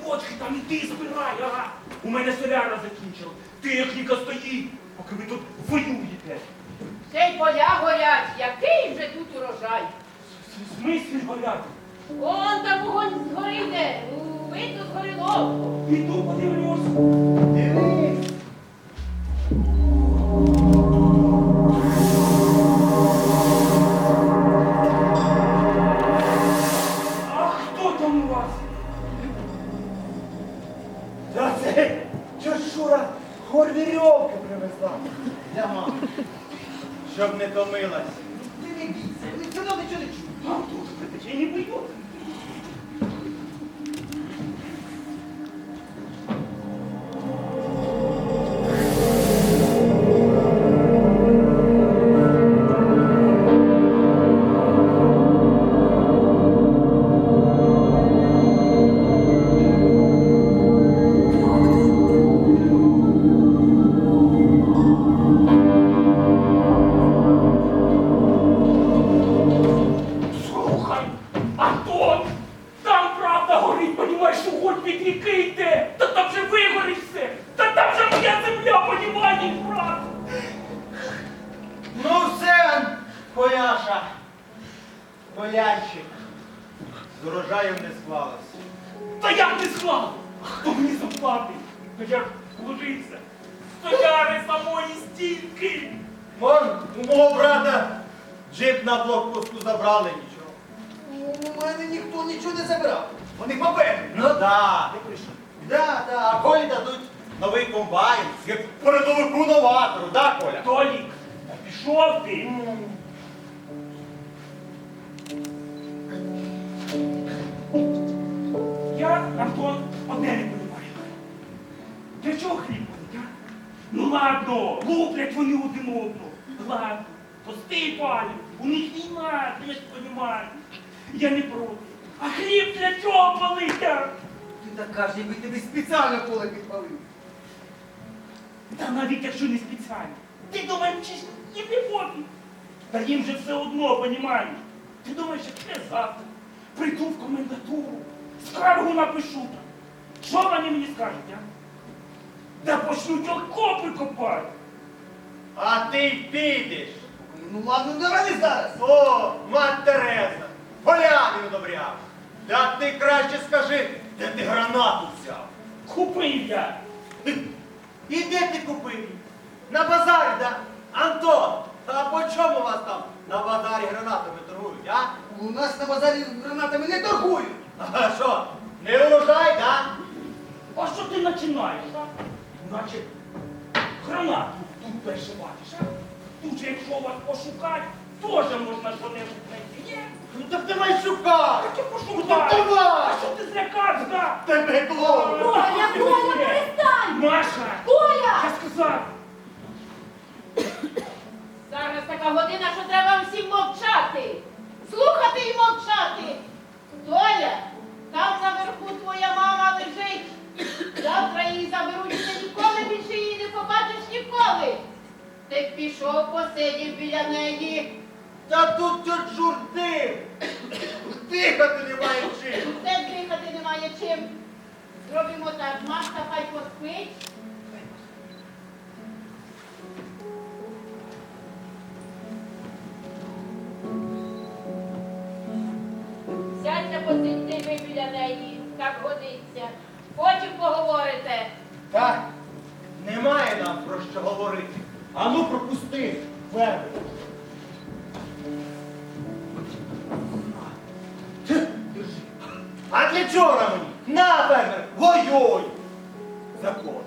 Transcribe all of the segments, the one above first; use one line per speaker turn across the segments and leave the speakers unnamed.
бочки там іди збирай, ага. У мене соляра закінчила. Техніка стоїть, поки ви тут воюєте.
Ще й поля горять, який вже тут урожай.
В смислі горять?
Вон там вогонь згори йде, видно згоріло.
Піду подивлюсь.
Дивись.
А хто там у вас?
Та це Чешура хор вірьовки привезла для мами. Щоб не томилась. Ти не бійся, вони все одно нічого не чують.
А хто ж притече не боїться? Слухай, Антон, там правда горить, понімаєш, вогонь від ріки йде. Та там же вигорить все. Та там же моя земля, понімаєш, брат.
Ну все, Коляша. Колянчик. З урожаєм не склалось.
Та як не склав? Хто мені заплатить? Та я ж вложився. Стояри самої стільки.
Вон, у мого брата джип на блокпосту забрали нічого.
У мене ніхто нічого не забирав. Вони попередні.
Ну да. Ти прийшов. Да, а Колі дадуть новий комбайн, як передовику новатору, да, Коля?
Толік, та пішов ти. Я, Антон, одне не розумію. Для чого хліб ходить, а? Ну ладно, луплять вони один одного. Ладно, пусти, пані, у них війна, ти ж розумієш. Я не проти. А хліб для чого палить, а?
Ти так кажеш, якби тобі спеціально поле підпалив.
Та навіть якщо не спеціально. Ти думаєш, чи ж їм не пофіг? Та їм же все одно, понімаєш? Ти думаєш, що я завтра прийду в комендатуру, скаргу напишу там. Що вони мені скажуть, а? Та почнуть окопи копати.
А ти підеш.
Ну ладно, давай не зараз.
О, мать Тереза, поляни одобряв. Та ти краще скажи, де ти гранату взяв?
Купив я.
І де ти купив? На базарі, да? Антон, а по чому вас там на базарі гранатами торгують, а?
У нас на базарі гранатами не торгують.
А що, не урожай, да?
А що ти починаєш, а? Наче гранату тут перше бачиш, а? Тут же, якщо вас пошукати, теж можна що-небудь знайти, ні?
Ну так давай шукай!
Так я
Ну
пошукаю.
так давай!
А що ти злякався, да?
Тебе клоун!
Коля, Коля, перестань!
Маша!
Коля!
Я сказав!
Зараз така година, що треба всім мовчати. Слухати і мовчати. Толя, там наверху твоя мама лежить. Завтра її заберуть, і ти ніколи більше її не побачиш ніколи. Ти пішов, посидів біля неї.
Та тут тьот журди! Дихати немає чим!
Все дихати немає чим. Зробимо так, Машка хай поспить. Сядьте, посидьте ви біля неї, так годиться. Потім поговорите.
Так, немає нам про що говорити. Ану пропусти, верби. Держи. А для чого мені? На, фермер, воюй! Закон.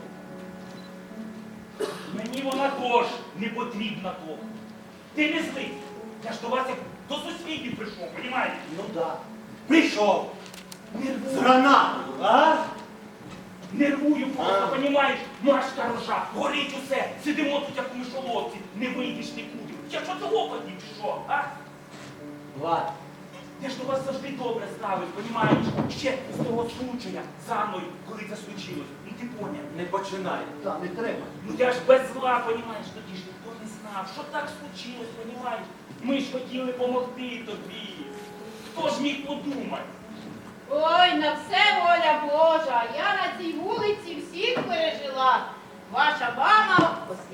Мені вона теж не потрібна того. Ти не злий. Я ж до вас як до сусідів прийшов, понімаєш?
Ну да. Прийшов. З
Нервую.
гранатою, а?
Нервую просто,
А.
понімаєш? Машка рожа, горить усе. Сидимо тут, як у мишоловці. Не вийдеш нікуди. Я що це опадів чи що, а?
Влад,
Я ж до вас завжди добре ставив, понімаєш? Ще з того случая, за мною, коли це случилось. Ну ти поняв.
не починай.
Так, не треба.
Ну я ж без зла, понімаєш, тоді ж ніхто не знав, що так случилось, понімаєш? Ми ж хотіли допомогти тобі. Хто ж міг подумати?
Ой, на все воля Божа.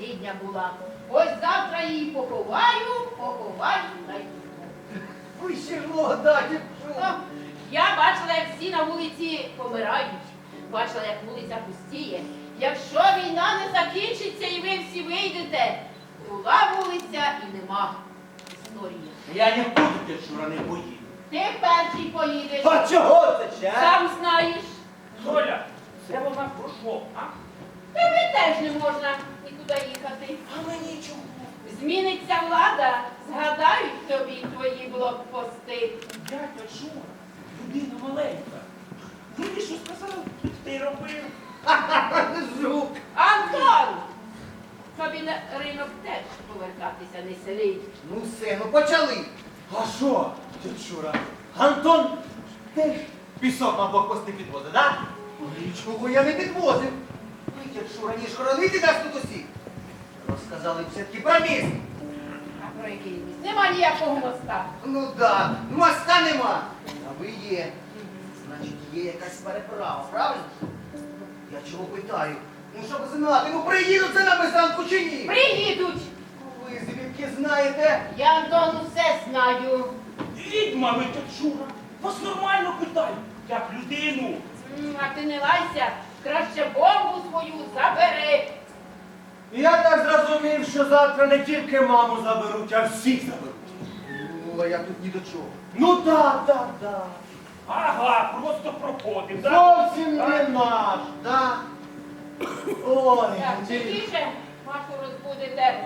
рідня була. Ось завтра її поховаю на й
Ви ще ж молода,
Ну,
дівчина.
я бачила, як всі на вулиці помирають. Бачила, як вулиця пустіє. Якщо війна не закінчиться і ви всі вийдете, була вулиця і нема історії.
Я не буду, дядь Шура, не поїду.
Ти перший поїдеш.
А чого це ще?
Сам знаєш.
Толя, це вона про що, а?
Тобі теж не можна нікуди їхати.
А мені чого?
Зміниться влада, згадають тобі твої блокпости.
Дядя Шура, людина маленька. Він що сказав, ти й робив.
Жук.
Антон! Тобі на ринок теж повертатися не селить.
Ну все, ну почали.
А що, дядь Шура? Антон теж пісок на блокпости підвозить, так?
Нічого я не підвозив. Ви, дядь Шура, ніж хоронити нас тут усіх. Розказали б все-таки про міст.
А про який міст? Нема ніякого моста.
Ну да, моста нема. А ви є. Значить, є якась переправа, правильно? Я чого питаю? Ну щоб знати, ну приїдуть це на Бесанку чи ні?
Приїдуть!
Ви звідки знаєте?
Я, Антон, усе знаю.
Відьма ви, дядь Шура. Вас нормально питають, як людину.
А ти не лайся, краще бомбу свою забери.
Я так зрозумів, що завтра не тільки маму заберуть, а всіх заберуть.
Ну, а я тут ні до чого.
Ну так.
Ага, просто проходив, так?
Зовсім не наш, да? Ой,
Так, тихіше, Машу розбудете.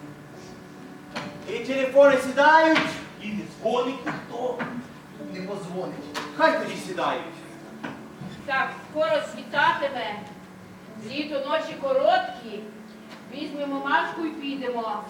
і телефони сідають,
І не дзвонить ніхто.
Не позвонить.
хай тоді сідають.
Так, скоро світатиме. Літо ночі короткі. Візьмемо Машку і підемо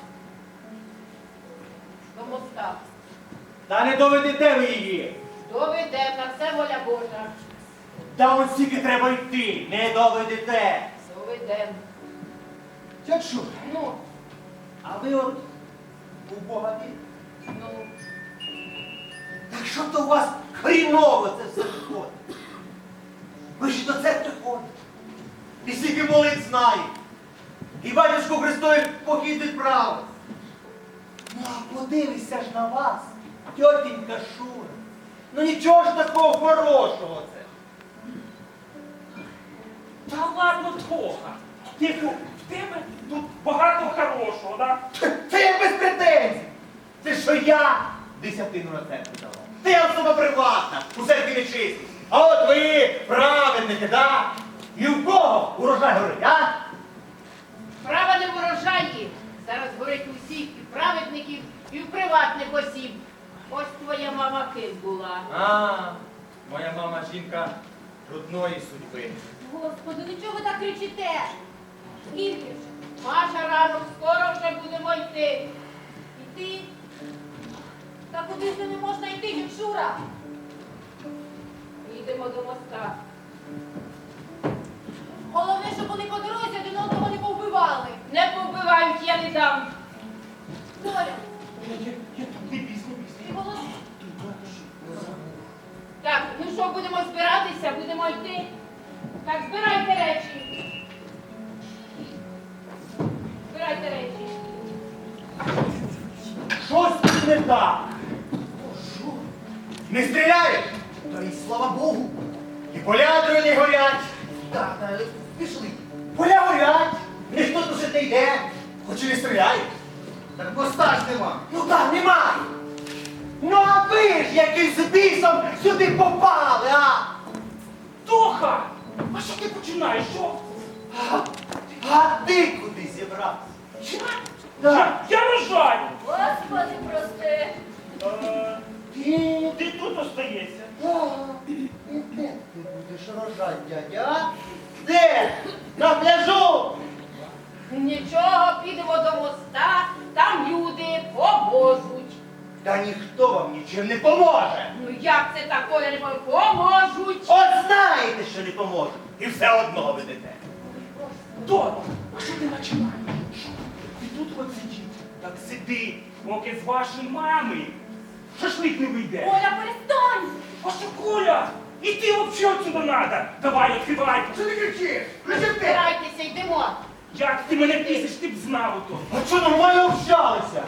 до моста.
Та не доведете ви її.
Доведемо, на все воля Божа.
Та ось тільки треба йти, не доведете.
Доведемо.
Дядь Шура,
Ну,
а ви от у Бога вірите?
ну.
Так що то у вас хріново це все виходить? Ви ж до церкви ходите. І скільки молитв знаєте. І батюшку Христові похід відправив. Ну, а подивися ж на вас, тьотінька Шура. Ну нічого ж такого хорошого це.
Та ладно, Тоха. Типу, в тебе тут багато хорошого, так?
Це я без претензій. Це що я десятину на церкву давав. Це я особа приватна, у церкві не чистий. А от ви праведники, да? І в кого урожай горить, а?
Справа не в урожаї. Зараз горить у всіх і праведників, і в приватних осіб. Ось твоя мама ким була.
А, моя мама жінка трудної судьби.
Господи, ну чого ви так кричите? Скільки ж?
Маша ранок, скоро вже будемо йти.
Іти? Та куди ж не можна йти, Шура?
Їдемо до моста.
Головне, щоб вони по дорозі один одного не повбивали.
Не побивають, я не дам.
Толя,
Я тут не пізно.
ти голос...
Так, ну що, будемо збиратися, будемо йти. Так, збирайте речі. Збирайте речі.
Щось тут не так. Не стріляють?
Та й слава Богу.
І поля не горять.
Так, пішли.
Поля горять. Ніхто тут не йде. Хоч і не стріляють.
Так моста ж нема.
Ну так, немає. Ну а ви ж яким з бісом сюди попали, а?
Тоха! А що ти починаєш? Що?
А ти куди зібрався?
Я рожаю!
Господи, прости.
Ти?
Ти тут остаєшся.
І де ти будеш рожати, дядя?
Де? На пляжу?
Нічого, підемо до моста, там люди поможуть.
Та ніхто вам нічим не поможе.
Ну як це такое не поможуть?
От знаєте, що не поможе. І все одно ведете.
Толя, а що ти починаєш? Що? Ти тут от сидів. Так сиди, поки з вашої мами шашлик не вийде.
Оля, перестань!
А що, Коля? І ти взагалі отсюда надо. Давай, відкривай.
Що ти кричиш? Кричиш ти?
Збирайтеся, йдемо.
Як ти мене пісиш, ти б знав ото.
А що нормально общалися?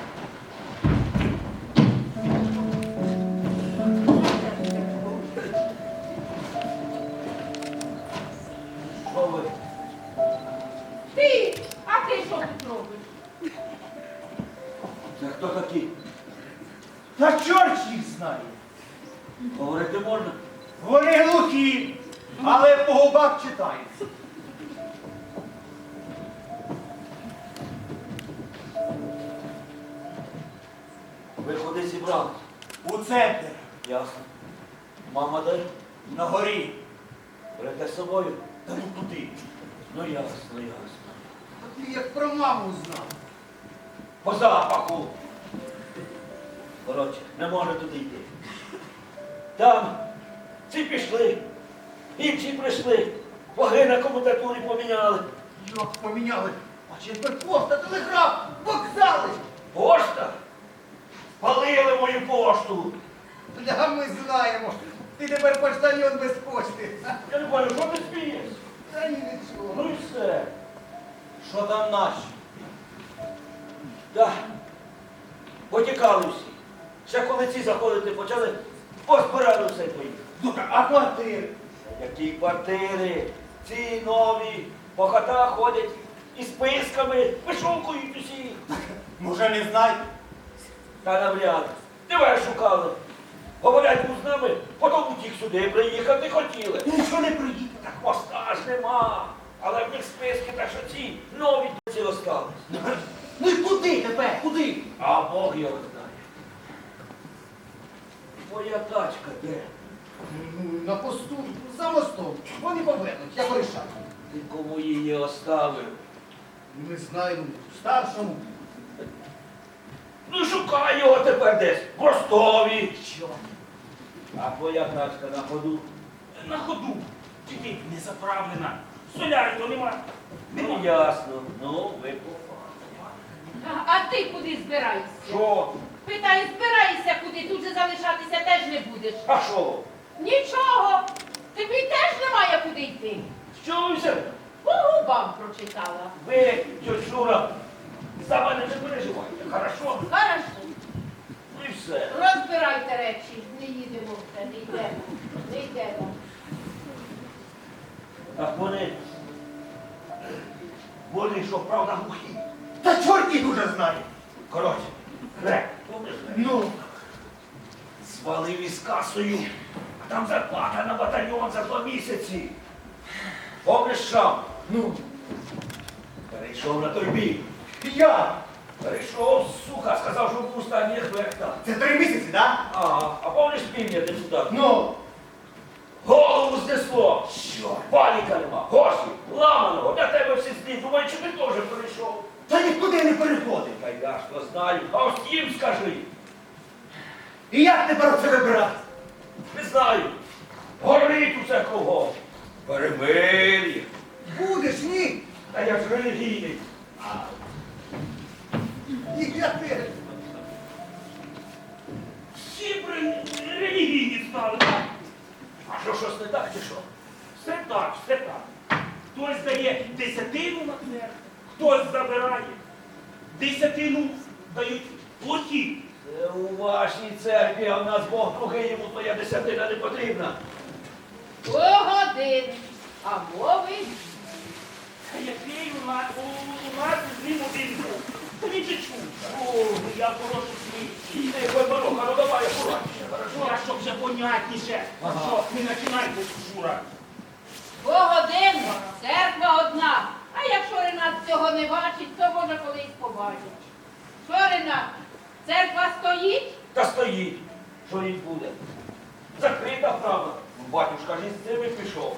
Що ви?
Ти, а ти що тут робиш?
Це хто такі? Та чорт їх знає. Говорити можна? Вони глухі, але по губах читається. Ви куди зібрались? У центр. Ясно. Мама де? На горі. Берете з собою? Та ну куди? Ну ясно, ясно.
А ти як про маму знав.
По запаху. Коротше, не може туди йти. Там ці пішли, інші прийшли, ваги на комутатурі поміняли.
Як поміняли? А чим тепер пошта, телеграф, вокзали?
Пошта? Палили мою пошту.
Бля, ми знаємо. Ти тепер поштальон без почти.
Я не бачу, що ти смієш?
Та ні, нічого.
Ну і все. Що там наші? Так. Потікали всі. Ще коли ці заходити почали, позбирали все і поїхали. А квартири? Які квартири? Ці нові, по хатах ходять із списками, вишукують усі. Може не знаєте? Та навряд. Тебе шукали. Говорять, був з нами, потім утік сюди, приїхати хотіли. Нічого не приїхали. Так моста ж нема. Але в них списки, так що ці нові ці остались.
Ну і куди тепер? Куди?
А Бог його знає. Моя тачка де?
Ну, на посту, за мостом. Вони повернуть, я порішаю.
Ти кому її оставив?
Не знаю, старшому.
Ну шукай його тепер десь. В Ростові.
Що?
А твоя тачка на ходу?
На ходу. Тільки не заправлена. Солярі то нема.
Ну ясно. Ну, ви попали.
А ти куди збираєшся?
Що?
Питаю, збираєшся куди, тут же залишатися теж не будеш.
А що?
Нічого, тобі теж немає куди йти.
Що ви взяли?
По губам прочитала.
Ви, тьоть Шура, за мене не переживайте, хорошо?
Хорошо,
Ну і все.
розбирайте речі, не їдемо все, не йдемо, не йдемо.
Так вони що, правда, глухі?
Та чорт їх уже знає.
Коротше, Грек, помниш Грек?
Ну,
Звалив із касою, а там зарплата на батальйон за 2 місяці. Помниш Шам?
ну,
Перейшов на той бік.
я.
Перейшов, сука, сказав, що був останній ефекта.
Це 3 місяці, так?
Ага, а помниш півня депутат?
Ну,
Голову знесло.
що?
Паніка нема, гроші, ламаного, для тебе всі злі. Думаю, чи ти теж перейшов?
Та нікуди не переходив.
Та я ж то знаю, а ось їм скажи.
І як тепер це вибирати?
Не знаю. Горить усе кругом. Перемир'я.
Будеш, ні?
Та я ж релігійний.
І я теж.
Всі релігійні стали. Так?
А що, щось не так чи що?
Все так, все так. Хтось дає десятину на церкву, хтось забирає. Десятину дають плохі.
Це у вашій церкві, а в нас Бог другий, йому твоя десятина не потрібна.
Погодин, а мови
А який у нас з ним один був? Та він же чув. О, я прошу свій.
Ти Бороха, ну давай акуратніше, хорошо?
Я щоб вже понятніше. Що, не починайте, Шура.
Погодин, церква одна. А якщо Ренат цього не бачить, то може колись побачить. Що, Ренат, церква стоїть?
Та стоїть, що їй буде. Закрита, правда. Батюшка ж із цими пішов.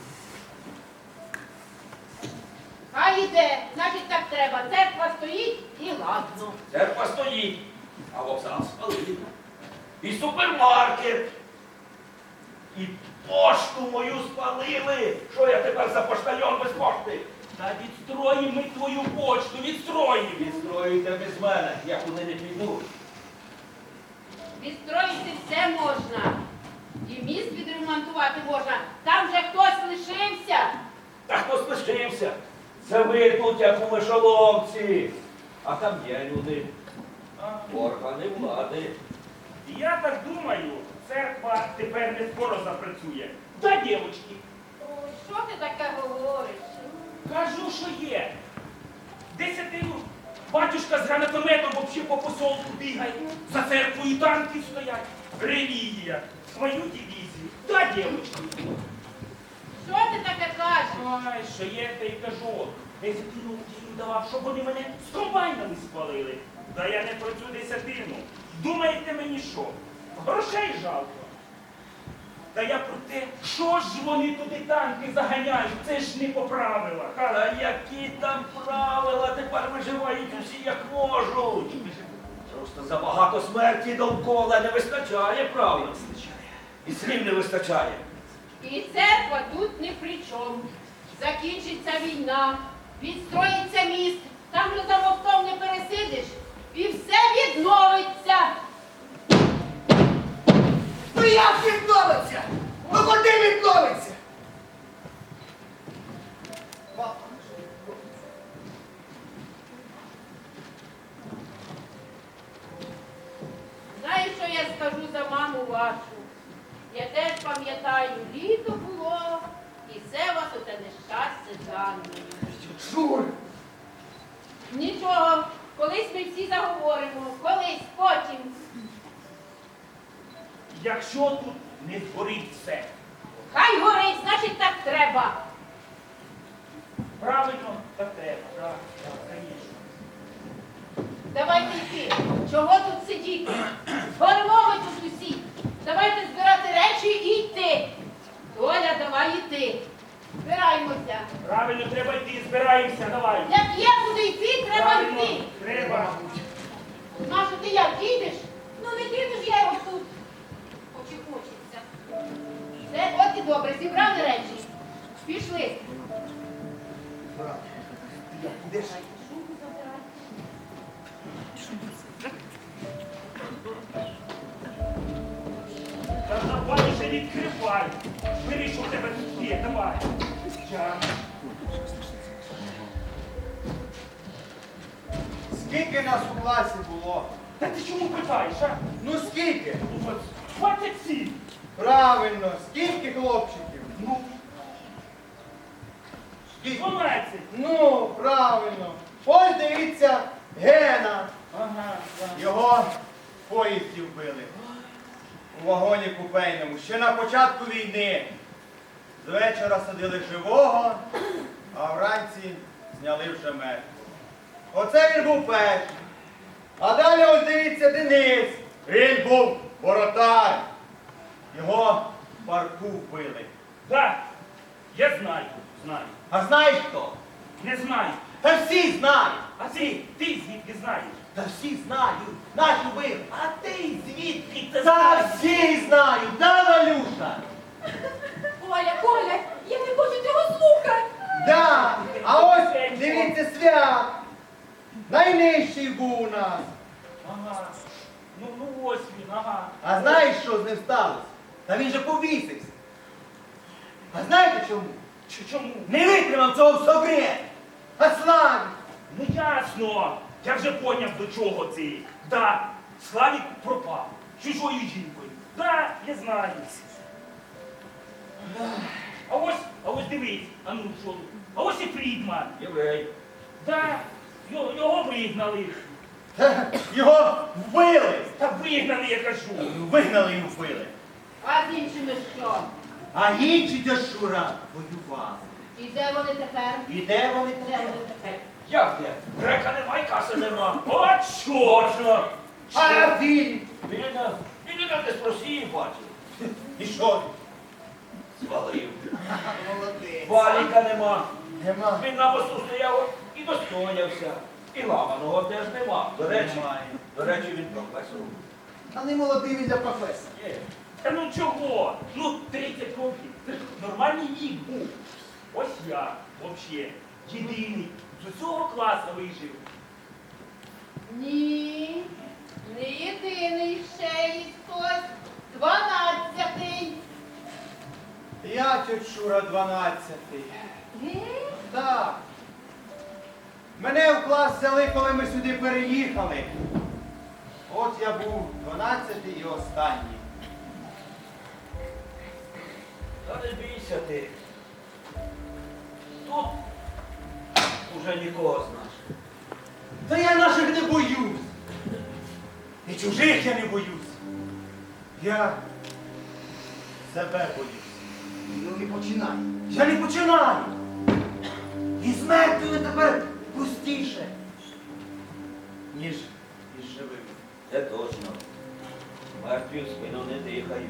Хай іде, значить так треба. Церква стоїть і ладно.
Церква стоїть, а вокзал спалили. І супермаркет. І пошту мою спалили. Що я тепер за поштальон без пошти?
Та відстроїмо ми твою почту, відстроїмо.
Відстроюйте без мене, я куди не піду.
Відстроїти все можна. І міст відремонтувати можна. Там же хтось лишився.
Та хто лишився?
Це ви тут, як у мишоловці. А там є люди. Органи влади.
Я так думаю, церква тепер не скоро запрацює. Да, дівчатки,
Ой, що ти таке говориш?
кажу, що є. Десятину батюшка з гранатометом вообще по посолку бігає. За церквою танки стоять. Релігія. Свою дивізію. Да, дівчатки.
Що ти таке кажеш?
Ай, що є, те й кажу. Десятину їм давав, щоб вони мене з комбайнами спалили. Та я не про цю десятину. Думаєте мені що? Грошей жалко. Та я про те, що ж вони туди танки заганяють, це ж не по правилах.
А які там правила тепер виживають усі як можуть? Просто забагато смерті довкола не вистачає правил. І слів не вистачає.
І церква тут ні при чому. Закінчиться війна, відстроїться міст, там же за мостом не пересидиш, і все відновиться.
Ну як відновиться? Ну куди відновиться?
Знаєш, що я скажу за маму вашу? Я теж пам'ятаю, літо було, і все вас оте нещастя дані.
Шур!
Нічого, колись ми всі заговоримо, колись, потім.
Якщо тут не згорить все,
Хай горить, значить так треба.
правильно, так треба. Так, звісно.
Давайте йти. Чого тут сидіти? Згоримо ми тут усі. Давайте збирати речі і йти. Доля, давай йти. Збираємося.
Правильно, треба йти, збираємося, давай.
Як є куди йти, треба
Правильно,
йти.
треба.
Маша, ти як, їдеш?
Ну не кину ж я його тут. Хоч і хочеться.
Все, от і добре, зібрали речі. Пішли.
Брат, ти як ідеш?
Шубу забирай.
Та давай вже відкривай. Бери, що в тебе тут є, давай. Ща.
Скільки нас у класі було?
Та ти чому питаєш, а?
Ну скільки?
27.
Правильно, скільки хлопчиків?
Ну,
Скільки?
12.
Ну, правильно. Ось дивіться, Гена.
Ага, так.
Його в поїзді вбили. У вагоні купейному. Ще на початку війни. З вечора садили живого, а вранці зняли вже мертвого. Оце він був перший. А далі ось дивіться Денис. Він був воротар. Його в парку вбили.
Да, я знаю, знаю.
А знаєш хто?
Не знаю.
Та всі знають.
А ти звідки знаєш?
Та всі знають. Наш вбив.
А ти звідки це
Та
знаєш?
всі знають, да, Валюша?
Коля, я не хочу цього слухати.
Да. А ось дивіться свят. Найнижчий був у нас.
Ага. Ну ось він, ага.
А знаєш, що з ним сталося? Та він же повісився. А знаєте чому?
Чому?
Не витримав цього в собі. А Славік.
Ну ясно. Я вже поняв, до чого це. Да, Славік пропав. Чужою жінкою. Да, я знаю. А ось дивись, а ну що тут? А ось і Фрідман.
Єврей.
Да, його вигнали.
Його вбили.
Та вигнали, я кажу.
Вигнали і вбили.
А з іншими що?
А інші Дяшура воювали.
І де вони тепер?
І де вони
Де
тепер?
вони тепер?
Як де? Грека нема і каси нема.
О, чорно!
А він.
Він десь з Росії бачив.
І що?
Звалив.
Молодець.
Валіка нема.
Нема.
Він на мосту стояв і достоявся. І ламаного теж нема.
Немає.
До речі, він професор.
А не молодий він для професора.
Є.
Та ну чого? Ну 30 років. Це ж нормальний вік був. Ось я, взагалі, єдиний. З усього класу вижив.
Ні, не єдиний, ще є хтось. 12-й.
Я тьот Шура 12-й.
Ге?
Так. Мене в клас взяли, коли ми сюди переїхали. От я був 12-й і останній.
Та не бійся ти. Тут уже нікого знаєш.
Та я наших не боюсь. І чужих я не боюсь. Я себе боюсь.
Ну не починай.
Я не починаю. І з мертвими тепер пустіше, ніж із живими.
Це точно. Мертві в спину не дихають.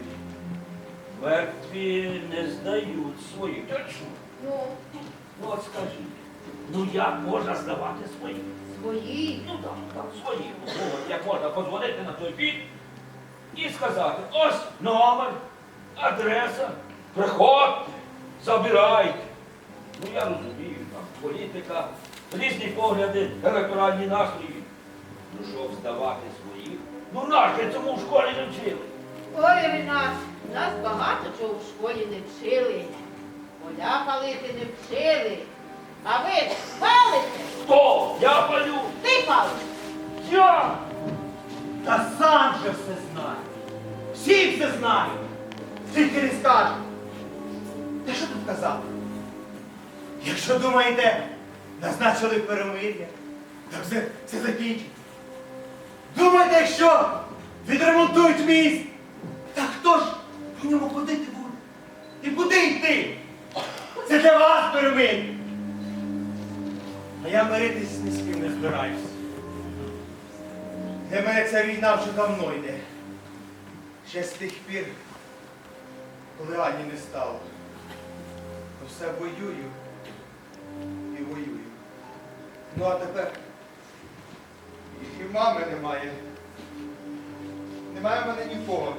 Мертві не здають своїх. Точно.
Ну,
Ну от скажи, ну як можна здавати своїх?
свої.
Ну так, свої. Ну, от як можна подзвонити на той бік і сказати, ось номер, адреса, приходьте, забирайте. Ну я розумію, там політика, різні погляди, електоральні настрої. Ну щоб здавати своїх? Ну нас же цьому в школі не вчили.
Ой, Ренат, нас багато чого в школі не вчили. Поля палити не вчили. А ви палите?
Хто? Я палю.
Ти палиш.
Я!
Та сам же все знаю. Всі все знають. Тільки не скажуть. Та що тут казати? Якщо думаєте, назначили перемир'я, так все закінчиться. Думаєте, якщо відремонтують міст, так хто ж по ньому ходити буде? І куди йти? Це для вас перемир'я. А я миритись ні з ким не збираюсь. Для мене ця війна вже давно йде. Ще з тих пір, коли Ані не стало. То все воюю і воюю. Ну а тепер і мами немає. Немає в мене нікого.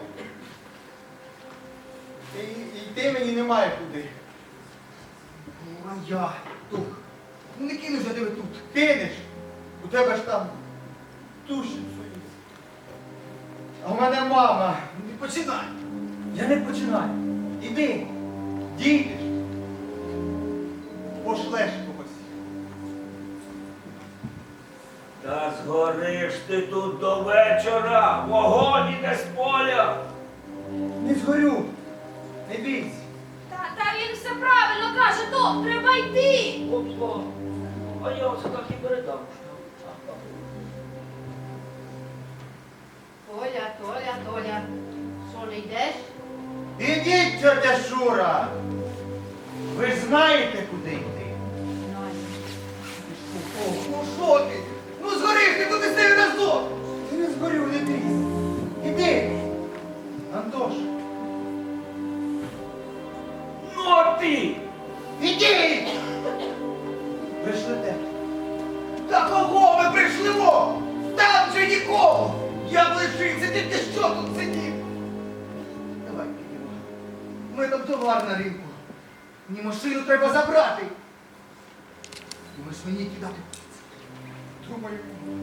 І йти мені немає куди.
Ну а я, Тух, ну не кину ж я тебе тут.
Кинеш, у тебе ж там душі свої. А в мене мама.
Ну не починай.
Я не починаю. Іди, дійдеш, пошлеш когось.
Та згориш ти тут до вечора, вогонь іде з поля.
Не згорю, не бійся.
Та він все правильно каже, то треба йти.
Опа, а я оце так і передам.
Толя, що не йдеш?
Ідіть, тетя Шура. Ви ж знаєте, куди йти.
Ох, ну що ти? Ну згориш ти тут із нею разом.
Ти не згорю, не бійся. Іди, Антош.
Ну а ти!
Ідіть! Пришлете.
Та кого ми прийшлимо? Там же нікого. Я б лишився, ти що тут сидів? Давай підемо. Ми там товар на ринку. Мені машину треба забрати. Думаєш, мені кидати?
Думаю,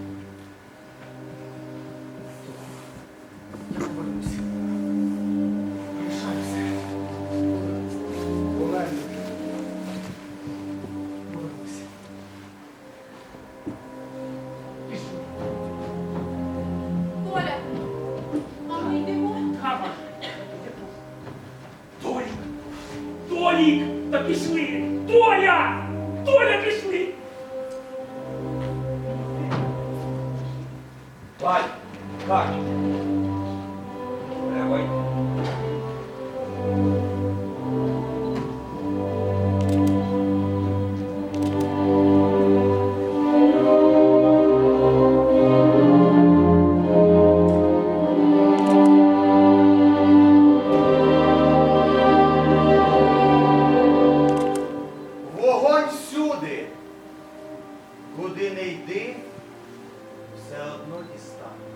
Я повернуся. Лишаюся.
повернусь.
Повернуся. Пішли.
Толя, а ми йдемо?
Кама. Толік! Толік! Та пішли! Толя! Толя, пішли!
Вай, Кать. Треба йти.
Вогонь всюди. Куди не йди, все одно дістане.